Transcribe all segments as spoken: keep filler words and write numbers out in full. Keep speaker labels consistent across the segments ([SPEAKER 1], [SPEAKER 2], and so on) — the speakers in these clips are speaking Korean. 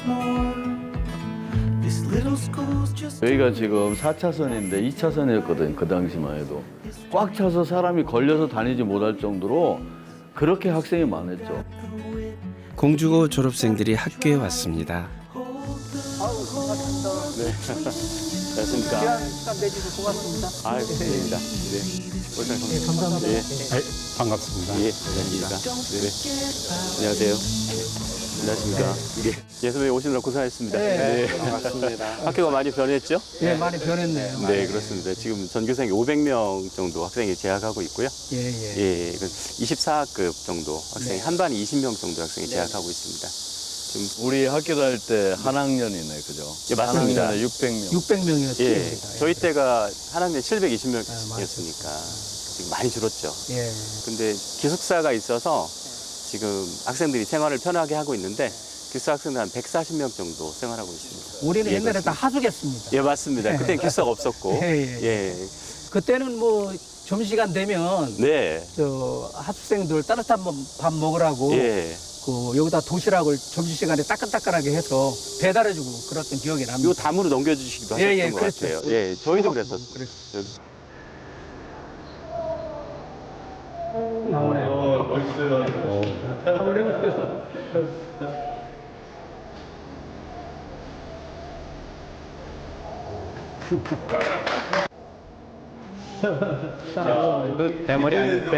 [SPEAKER 1] 여기가 지금 사 차선인데 이 차선이었거든, 그 당시만 해도. 꽉 차서 사람이 걸려서 다니지 못할 정도로 그렇게 학생이 많았죠.
[SPEAKER 2] 공주고 졸업생들이 학교에 왔습니다.
[SPEAKER 3] 네. 안녕하십니까.
[SPEAKER 4] 시간 내주셔서 고맙습니다.
[SPEAKER 3] 아, 감사합니다. 네.
[SPEAKER 4] 네, 감사합니다.
[SPEAKER 3] 예.
[SPEAKER 5] 반갑습니다.
[SPEAKER 3] 예, 안녕하십니까. 네. 안녕하세요. 안녕하십니까. 예. 예, 선배님 오시느라 고생하셨습니다.
[SPEAKER 4] 네.
[SPEAKER 3] 반갑습니다. 학교가 많이 변했죠?
[SPEAKER 4] 네, 많이 변했네요.
[SPEAKER 3] 네, 그렇습니다. 지금 전교생이 오백 명 정도 학생이 재학하고 있고요.
[SPEAKER 4] 예, 예.
[SPEAKER 3] 예, 이십사 학급 정도 학생이,
[SPEAKER 4] 네.
[SPEAKER 3] 한 반이 이십 명 정도 학생이 재학하고 있습니다. 지금
[SPEAKER 1] 우리 학교 다닐 때 한 학년이네, 그죠?
[SPEAKER 3] 예, 맞습니다.
[SPEAKER 1] 한 학년에 육백 명.
[SPEAKER 4] 육백 명이었죠.
[SPEAKER 3] 예, 저희 때가 한 학년에 칠백이십
[SPEAKER 4] 맞아요.
[SPEAKER 3] 명이었으니까 지금 많이 줄었죠.
[SPEAKER 4] 예.
[SPEAKER 3] 근데 기숙사가 있어서 지금 학생들이 생활을 편하게 하고 있는데 기숙사 학생들 한 백사십 명 정도 생활하고 있습니다.
[SPEAKER 4] 우리는
[SPEAKER 3] 예,
[SPEAKER 4] 옛날에 다
[SPEAKER 3] 그렇습니다.
[SPEAKER 4] 하숙했습니다.
[SPEAKER 3] 예, 맞습니다. 그때 기숙사가 없었고.
[SPEAKER 4] 예, 예.
[SPEAKER 3] 예.
[SPEAKER 4] 그때는 뭐 점심시간 되면
[SPEAKER 3] 네.
[SPEAKER 4] 저 하숙생들 따뜻한 밥- 밥 먹으라고
[SPEAKER 3] 예.
[SPEAKER 4] 그 여기다 도시락을 점심시간에 따끈따끈하게 해서 배달해주고 그랬던 기억이 납니다.
[SPEAKER 3] 요 담으로 넘겨주시기도
[SPEAKER 4] 예,
[SPEAKER 3] 하셨던
[SPEAKER 4] 예,
[SPEAKER 3] 것
[SPEAKER 4] 그랬죠.
[SPEAKER 3] 같아요. 예, 저희도 그랬었어요.
[SPEAKER 4] 그랬어요.
[SPEAKER 1] 어, 멋있어요.
[SPEAKER 5] 대머리 아니에요?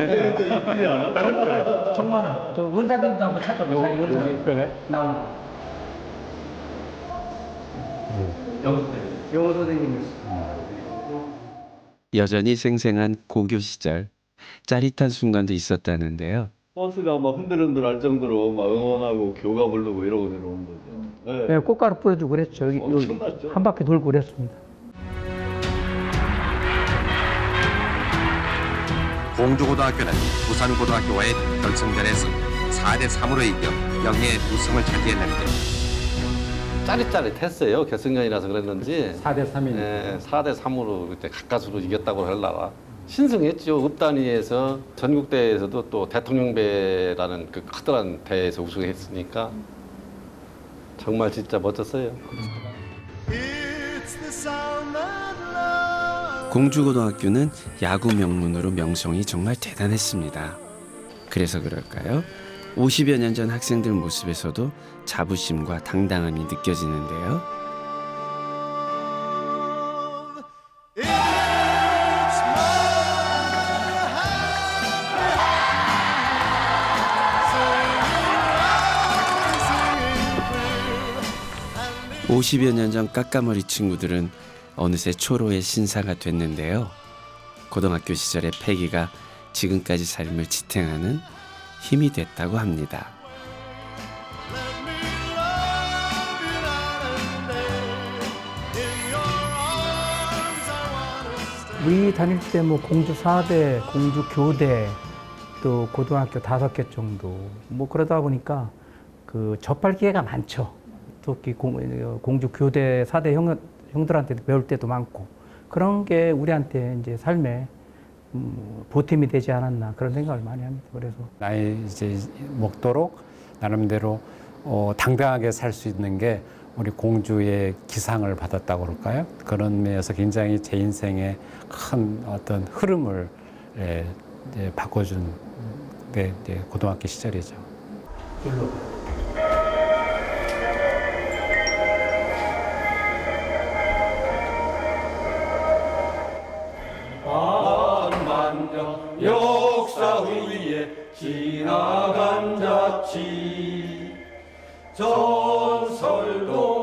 [SPEAKER 4] 정말 저 은사님도 한번 찾아보세요. 은사 나오는 거. 영어 선생님이었어요.
[SPEAKER 2] 여전히 생생한 고교 시절, 짜릿한 순간도 있었다는데요.
[SPEAKER 1] 버스가 막 흔들흔들 할 정도로 막 응원하고 교가 부르고 이러고 내려오는 거죠. 네.
[SPEAKER 4] 네, 꽃가루 뿌려주고 그랬죠. 여기, 여기
[SPEAKER 1] 엄청났죠.
[SPEAKER 4] 한 바퀴 돌고 그랬습니다.
[SPEAKER 6] 공주고등학교는 부산고등학교와의 결승전에서 사 대 삼으로 이겨 영예의 우승을 차지했는데
[SPEAKER 7] 짜릿짜릿했어요. 결승전이라서 그랬는지.
[SPEAKER 4] 사 대 삼이니까.
[SPEAKER 7] 예, 사 대 삼으로 그때 가까스로 이겼다고 할라라. 신승했죠. 읍단위에서 전국대회에서도 또 대통령배라는 그 커다란 대회에서 우승했으니까 정말 진짜 멋졌어요.
[SPEAKER 2] 공주고등학교는 야구 명문으로 명성이 정말 대단했습니다. 그래서 그럴까요? 오십여 년 전 학생들 모습에서도 자부심과 당당함이 느껴지는데요. 오십여 년 전 까까머리 친구들은 어느새 초로의 신사가 됐는데요. 고등학교 시절의 패기가 지금까지 삶을 지탱하는 힘이 됐다고 합니다.
[SPEAKER 4] 우리 다닐 때 뭐 공주 사 대, 공주 교대, 또 고등학교 다섯 개 정도 뭐 그러다 보니까 그 접할 기회가 많죠. 특히 공, 공주 교대 사 대 형, 형들한테도 배울 때도 많고 그런 게 우리한테 이제 삶에 음, 보탬이 되지 않았나 그런 생각을 많이 합니다. 그래서
[SPEAKER 5] 나이 이제 먹도록 나름대로 어, 당당하게 살 수 있는 게 우리 공주의 기상을 받았다고 그럴까요? 그런 면에서 굉장히 제 인생의 큰 어떤 흐름을 예, 이제 바꿔준 네, 이제 고등학교 시절이죠.
[SPEAKER 1] 역사 위에 지나간 자치 전설도